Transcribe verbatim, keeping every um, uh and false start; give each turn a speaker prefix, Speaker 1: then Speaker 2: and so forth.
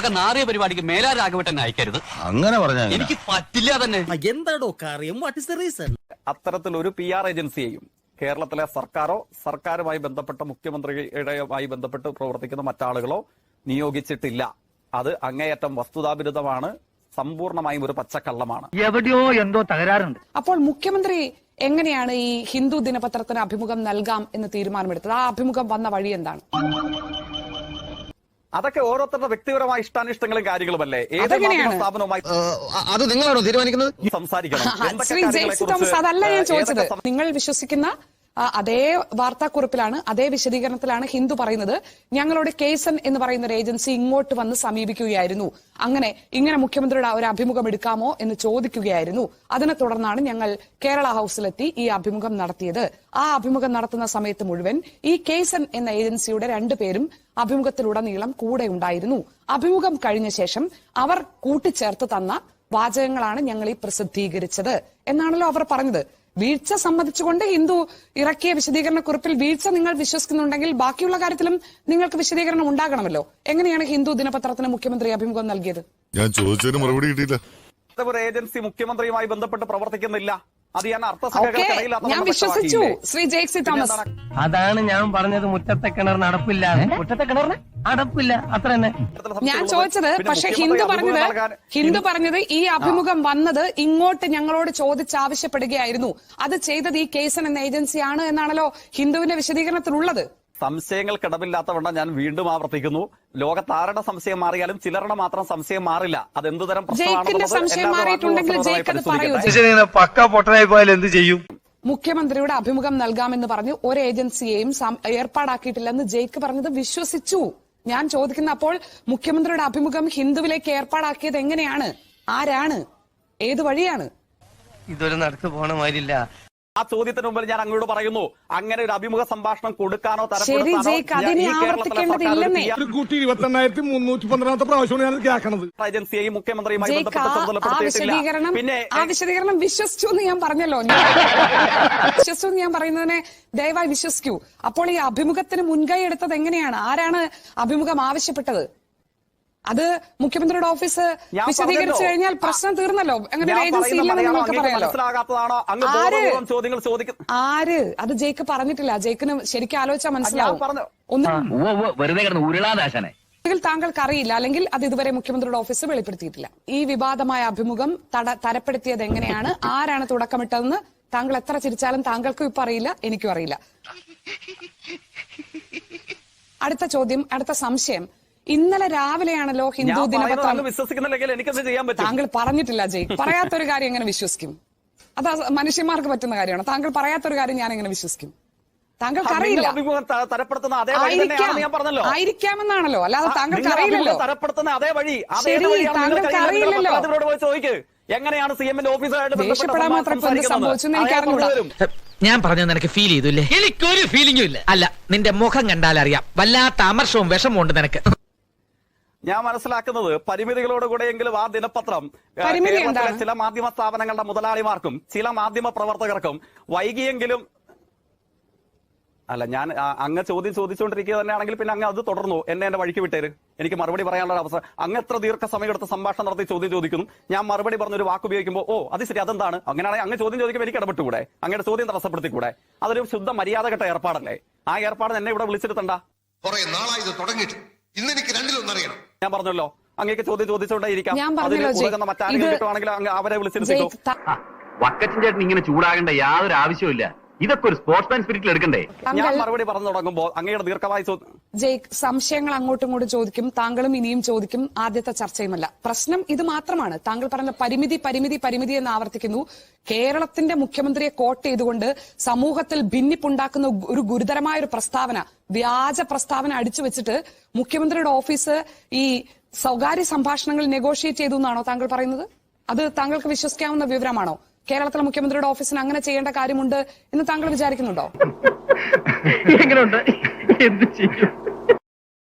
Speaker 1: വക നാറിയ പരിപാടിക്ക് മേലാ രാഘവട്ടൻ അയക്കരുത്.
Speaker 2: അങ്ങനെ പറഞ്ഞാ
Speaker 1: എനിക്ക് പറ്റില്ല തന്നെ.
Speaker 3: എന്താടോ കാര്യം? What is the reason?
Speaker 4: അത്തരത്തിലൊരു പി ആർ ഏജൻസിയെയും കേരളത്തിലെ സർക്കാരോ സർക്കാരുമായി ബന്ധപ്പെട്ട മുഖ്യമന്ത്രിയുടെയുമായി ബന്ധപ്പെട്ട് പ്രവർത്തിക്കുന്ന മറ്റാളുകളോ നിയോഗിച്ചിട്ടില്ല. അത് അങ്ങേയറ്റം വസ്തുതാവിരുദ്ധമാണ്, സമ്പൂർണമായും ഒരു പച്ചക്കള്ളമാണ്.
Speaker 5: എവിടെയോ എന്തോ തകരാറുണ്ട്.
Speaker 6: അപ്പോൾ മുഖ്യമന്ത്രി എങ്ങനെയാണ് ഈ ഹിന്ദു ദിനപത്രത്തിന് അഭിമുഖം നൽകാം എന്ന് തീരുമാനമെടുത്തത്? ആ അഭിമുഖം വന്ന വഴി എന്താണ്?
Speaker 4: അതൊക്കെ ഓരോരുത്തരുടെ വ്യക്തിപരമായ ഇഷ്ടാനിഷ്ടങ്ങളും കാര്യങ്ങളുമല്ലേ. ഏത് സ്ഥാപനവുമായി
Speaker 2: അത് നിങ്ങളാണോ തീരുമാനിക്കുന്നത്?
Speaker 4: സംസാരിക്കണം.
Speaker 6: ശ്രീ ജെയ്സി തോമസ്, അതല്ല ഞാൻ ചോദിച്ചത്. നിങ്ങൾ വിശ്വസിക്കുന്ന അതേ വാർത്താക്കുറിപ്പിലാണ്, അതേ വിശദീകരണത്തിലാണ് ഹിന്ദു പറയുന്നത്. ഞങ്ങളോട് കേസൻ എന്ന് പറയുന്ന ഒരു ഏജൻസി ഇങ്ങോട്ട് വന്ന് സമീപിക്കുകയായിരുന്നു, അങ്ങനെ ഇങ്ങനെ മുഖ്യമന്ത്രിയുടെ ഒരു അഭിമുഖം എടുക്കാമോ എന്ന് ചോദിക്കുകയായിരുന്നു. അതിനെ തുടർന്നാണ് ഞങ്ങൾ കേരള ഹൌസിലെത്തി ഈ അഭിമുഖം നടത്തിയത്. ആ അഭിമുഖം നടത്തുന്ന സമയത്ത് മുഴുവൻ ഈ കേസൻ എന്ന ഏജൻസിയുടെ രണ്ടുപേരും അഭിമുഖത്തിലുടനീളം കൂടെ ഉണ്ടായിരുന്നു. അഭിമുഖം കഴിഞ്ഞ ശേഷം അവർ കൂട്ടിച്ചേർത്ത് തന്ന വാചകങ്ങളാണ് ഞങ്ങൾ ഈ പ്രസിദ്ധീകരിച്ചത് എന്നാണല്ലോ അവർ പറഞ്ഞത്. വീഴ്ച സമ്മതിച്ചുകൊണ്ട് ഹിന്ദു ഇറക്കിയ വിശദീകരണ കുറിപ്പിൽ വീഴ്ച നിങ്ങൾ വിശ്വസിക്കുന്നുണ്ടെങ്കിൽ ബാക്കിയുള്ള കാര്യത്തിലും നിങ്ങൾക്ക് വിശദീകരണം ഉണ്ടാകണമല്ലോ. എങ്ങനെയാണ് ഹിന്ദു ദിനപത്രത്തിന് മുഖ്യമന്ത്രി അഭിമുഖം നൽകിയത്?
Speaker 7: ഞാൻ ചോദിച്ചതിന് മറുപടി കിട്ടിയില്ല.
Speaker 4: ഒരു ഏജൻസി മുഖ്യമന്ത്രിയുമായി ബന്ധപ്പെട്ട് പ്രവർത്തിക്കുന്നില്ല. അത് ഞാൻ
Speaker 6: ഞാൻ വിശ്വസിച്ചു ശ്രീ ജെയ്സി തോമസ്.
Speaker 5: അതാണ് ഞാൻ പറഞ്ഞത്, മുറ്റത്തെ കിണർ നടപ്പില്ല. മുറ്റത്തെ കിണറിന് അടപ്പില്ല, അത്ര തന്നെ
Speaker 6: ഞാൻ ചോദിച്ചത്. പക്ഷെ ഹിന്ദു പറഞ്ഞത് ഹിന്ദു പറഞ്ഞത് ഈ അഭിമുഖം വന്നത് ഇങ്ങോട്ട് ഞങ്ങളോട് ചോദിച്ചാവശ്യപ്പെടുകയായിരുന്നു. അത് ചെയ്തത് ഈ കേസൻ എന്ന ഏജൻസിയാണ് എന്നാണല്ലോ ഹിന്ദുവിന്റെ വിശദീകരണത്തിലുള്ളത്.
Speaker 4: സംശയങ്ങൾക്കിടമില്ലാത്തവണ്ണം ഞാൻ വീണ്ടും ആവർത്തിക്കുന്നു, ലോകത്താരുടെ സംശയം മാറിയാലും ചിലരുടെ മാത്രം സംശയം മാറില്ല. അത് എന്തുതരം
Speaker 5: പക്ക പൊട്ടനായി പോയാൽ എന്ത് ചെയ്യും?
Speaker 6: മുഖ്യമന്ത്രിയുടെ അഭിമുഖം നൽകാമെന്ന് പറഞ്ഞു ഒരു ഏജൻസിയെയും ഏർപ്പാടാക്കിയിട്ടില്ലെന്ന് ജയ്ക്ക് പറഞ്ഞത് വിശ്വസിച്ചു. ഞാൻ ചോദിക്കുന്ന അപ്പോൾ മുഖ്യമന്ത്രിയുടെ അഭിമുഖം ഹിന്ദുവിലേക്ക് ഏർപ്പാടാക്കിയത് എങ്ങനെയാണ്? ആരാണ്? ഏത് വഴിയാണ്?
Speaker 5: ഇതൊരു നടത്തു പോണ മാതിരില്ല.
Speaker 4: ആ ചോദ്യത്തിന് മുമ്പിൽ ഞാൻ അങ്ങോട്ട് പറയുന്നു, അങ്ങനെ ഒരു അഭിമുഖ സംഭാഷണം കൊടുക്കാനോ ഏജൻസിയെയും മുഖ്യമന്ത്രിയുമായി
Speaker 6: പിന്നെ ആ വിശദീകരണം വിശ്വസിച്ചു എന്ന് ഞാൻ പറഞ്ഞല്ലോ. വിശ്വസിച്ചു എന്ന് ഞാൻ പറയുന്നതിനെ ദയവായി വിശ്വസിക്കൂ. അപ്പോൾ ഈ അഭിമുഖത്തിന് മുൻകൈ എടുത്തത് എങ്ങനെയാണ്? ആരാണ് അഭിമുഖം ആവശ്യപ്പെട്ടത്? അത് മുഖ്യമന്ത്രിയുടെ ഓഫീസ് വിശദീകരിച്ചു കഴിഞ്ഞാൽ പ്രശ്നം തീർന്നല്ലോ. അങ്ങനെ ഒരു ഏജൻസി ഇല്ലെന്ന് നിങ്ങൾക്ക് പറയാലോ. ആര്? അത് ജയ്ക്ക് പറഞ്ഞിട്ടില്ല. ജയ്ക്കിന് ശരിക്കും ആലോചിച്ചാൽ മനസ്സിലാവും. താങ്കൾക്ക് അറിയില്ല, അല്ലെങ്കിൽ അത് ഇതുവരെ മുഖ്യമന്ത്രിയുടെ ഓഫീസ് വെളിപ്പെടുത്തിയിട്ടില്ല. ഈ വിവാദമായ അഭിമുഖം തരപ്പെടുത്തിയത് എങ്ങനെയാണ്, ആരാണ് തുടക്കമിട്ടതെന്ന് താങ്കൾ എത്ര ചിരിച്ചാലും താങ്കൾക്കും ഇപ്പൊ അറിയില്ല, എനിക്കും അറിയില്ല. അടുത്ത ചോദ്യം, അടുത്ത സംശയം. ഇന്നലെ രാവിലെയാണല്ലോ ഹിന്ദു ദിനപത്രം. താങ്കൾ പറഞ്ഞിട്ടില്ല ജയ്. പറയാത്തൊരു കാര്യം എങ്ങനെ വിശ്വസിക്കും? അത് മനുഷ്യന്മാർക്ക് പറ്റുന്ന കാര്യമാണ്. താങ്കൾ പറയാത്തൊരു കാര്യം ഞാൻ എങ്ങനെ വിശ്വസിക്കും? താങ്കൾക്ക് അറിയില്ല. ആയിരിക്കാമെന്നാണല്ലോ, അല്ലാതെ താങ്കൾക്ക് അറിയില്ലല്ലോ. ശരി, താങ്കൾക്ക് അറിയില്ലല്ലോ.
Speaker 4: എങ്ങനെയാണ് സി എമ്മിന്റെ ഓഫീസറായിട്ട്
Speaker 6: ദേഷ്യപ്പെടാൻ മാത്രം സംഭവിച്ചെന്ന് എനിക്ക് അറിഞ്ഞൂടാ.
Speaker 8: ഞാൻ പറഞ്ഞത് നിനക്ക് ഫീൽ ചെയ്തില്ലേ? എനിക്കൊരു ഫീലിംഗും ഇല്ല. അല്ല, നിന്റെ മുഖം കണ്ടാൽ അറിയാം, വല്ലാത്ത അമർഷവും വിഷമവും ഉണ്ട് നിനക്ക്.
Speaker 4: ഞാൻ മനസ്സിലാക്കുന്നത് പരിമിതികളോടുകൂടെയെങ്കിലും ആ ദിനപത്രം ചില മാധ്യമ സ്ഥാപനങ്ങളുടെ മുതലാളിമാർക്കും ചില മാധ്യമ പ്രവർത്തകർക്കും വൈകിയെങ്കിലും അല്ല, ഞാൻ അങ്ങ് ചോദ്യം ചോദിച്ചുകൊണ്ടിരിക്കുക തന്നെയാണെങ്കിൽ പിന്നെ അങ്ങ് അത് തുടർന്നു, എന്നെ എന്റെ വഴിക്ക് വിട്ടേര്. എനിക്ക് മറുപടി പറയാനുള്ള അവസരം. അങ്ങ് എത്ര ദീർഘസമയം എടുത്ത് സംഭാഷണം നടത്തി ചോദ്യം ചോദിക്കുന്നു, ഞാൻ മറുപടി പറഞ്ഞൊരു വാക്ക് ഉപയോഗിക്കുമ്പോൾ ഓ അത് ശരി അതെന്താണ്, അങ്ങനെയാണെങ്കിൽ അങ്ങ് ചോദ്യം ചോദിക്കുമ്പോൾ എനിക്ക് ഇടപെട്ടുകൂടെ? അങ്ങയുടെ ചോദ്യം തടസ്സപ്പെടുത്തിക്കൂടെ? അതൊരു ശുദ്ധ മര്യാദഘട്ട ഏർപ്പാടല്ലേ? ആ ഏർപ്പാട് എന്നെ ഇവിടെ വിളിച്ചെടുത്തണ്ട. ഞാൻ പറഞ്ഞല്ലോ, അങ്ങേക്ക് ചോദ്യം ചോദിച്ചുകൊണ്ടേയിരിക്കാം. മറ്റാരെങ്കിലും അങ്ങ് അവരെ വിളിച്ചെടുത്തിട്ടോ.
Speaker 1: വക്കച്ചൻ ചേട്ടൻ ഇങ്ങനെ ചൂടാകേണ്ട യാതൊരു ആവശ്യമില്ല. ഇതൊക്കെ ഒരു സ്പോർട്സ്മാൻ സ്പിരിറ്റിൽ എടുക്കണ്ടേ?
Speaker 4: ഞാൻ മറുപടി പറഞ്ഞു തുടങ്ങുമ്പോൾ അങ്ങയുടെ ദീർഘമായി
Speaker 6: ജയ്ക്ക് സംശയങ്ങൾ അങ്ങോട്ടും ഇങ്ങോട്ടും ചോദിക്കും, താങ്കളും ഇനിയും ചോദിക്കും. ആദ്യത്തെ ചർച്ചയുമല്ല പ്രശ്നം, ഇത് മാത്രമാണ്. താങ്കൾ പറഞ്ഞ പരിമിതി പരിമിതി പരിമിതി എന്ന് ആവർത്തിക്കുന്നു. കേരളത്തിന്റെ മുഖ്യമന്ത്രിയെ കോട്ട് ചെയ്തുകൊണ്ട് സമൂഹത്തിൽ ഭിന്നിപ്പുണ്ടാക്കുന്ന ഒരു ഗുരുതരമായ ഒരു പ്രസ്താവന, വ്യാജ പ്രസ്താവന അടിച്ചു വെച്ചിട്ട് മുഖ്യമന്ത്രിയുടെ ഓഫീസ് ഈ സ്വകാര്യ സംഭാഷണങ്ങൾ നെഗോഷിയേറ്റ് ചെയ്തു എന്നാണോ താങ്കൾ പറയുന്നത്? അത് താങ്കൾക്ക് വിശ്വസിക്കാവുന്ന വിവരമാണോ? കേരളത്തിലെ മുഖ്യമന്ത്രിയുടെ ഓഫീസിന് അങ്ങനെ ചെയ്യേണ്ട കാര്യമുണ്ട് എന്ന് താങ്കൾ വിചാരിക്കുന്നുണ്ടോ?
Speaker 5: എങ്ങനെയുണ്ട്? എന്ത് ചെയ്യും?